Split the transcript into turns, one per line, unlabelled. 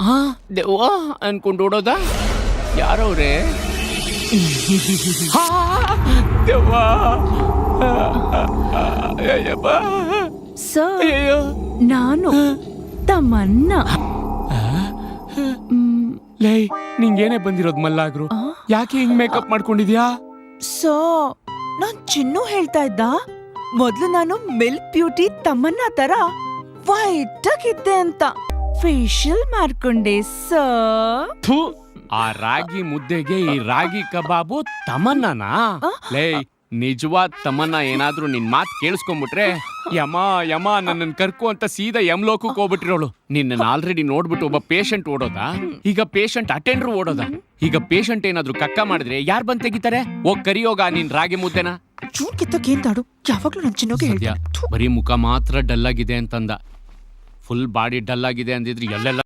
ಹಾ ದೆವ್ವ ಅನ್ಕೊಂಡು ಓಡೋದ? ಯಾರವ್ರೆ? ದೆವ್ವ! ಅಯ್ಯಪ್ಪ!
ಸರ್,
ಅಯ್ಯೋ!
ನಾನು ತಮನ್ನ.
ಲೈ, ನಿಂಗೇನೆ ಬಂದಿರೋದ್ ಮಲ್ಲಾಗ್ರು? ಯಾಕೆ ಹಿಂಗ್ ಮೇಕಪ್ ಮಾಡ್ಕೊಂಡಿದ್ಯಾ?
ಸೊ ನಾನ್ ಚಿನ್ನು ಹೇಳ್ತಾ ಇದ್ದ, ಮೊದ್ಲು ನಾನು ಮಿಲ್ಕ್ ಬ್ಯೂಟಿ ತಮ್ಮನ್ನ ತರ ವೈಟ್ ಆಗಿದ್ದೆ ಅಂತ ಫೇಶಿಯಲ್ ಮಾಡ್ಕೊಂಡೆ ಸರ್.
ಥು, ಆ ರಾಗಿ ಮುದ್ದೆಗೆ ಈ ರಾಗಿ ಕಬಾಬು ತಮನ್ನನಾ? ಲೈ, ನಿಜವಾದ ತಮನ್ನ ಏನಾದ್ರೂ ನಿನ್ ಮಾತ್ ಕೇಳಿಸ್ಕೊಂಡ್ಬಿಟ್ರೆ ಯಮ ಯಮ ನನ್ನನ್ ಕರ್ಕು ಅಂತ ಸೀದಾ ಯಮಲೋಕಕ್ಕೆ ಹೋಗ್ಬಿಟ್ಟಿರೋಳು. ನಿನ್ನ ಆಲ್ರೆಡಿ ನೋಡ್ಬಿಟ್ಟು ಒಬ್ಬ ಪೇಷಂಟ್ ಓಡೋದಾ? ಈಗ ಪೇಷಂಟ್ ಅಟೆಂಡರ್ ಓಡೋದಾ? ಈಗ ಪೇಷಂಟ್ ಏನಾದ್ರೂ ಕಕ್ಕ ಮಾಡಿದ್ರೆ ಯಾರ್ ಬಂದ್ ತೆಗಿತಾರೆ? ಹೋಗ್ ಕರಿಯೋಗ ನಿನ್ ರಾಗಿ ಮುದ್ದೆನ.
ಚೂರ್ ಕಿತ್ತಕ್ಕೇಂತಾಡು, ಯಾವಾಗ್ಲೂ ನನ್ ಚಿನ್ನೋಗೆ ಹೇಳ್ದ.
ಬರೀ ಮುಖ ಮಾತ್ರ ಡಲ್ ಆಗಿದೆ ಅಂತಂದ. ಫುಲ್ ಬಾಡಿ ಡಲ್ ಆಗಿದೆ ಅಂದಿದ್ರೆ ಎಲ್ಲೆಲ್ಲ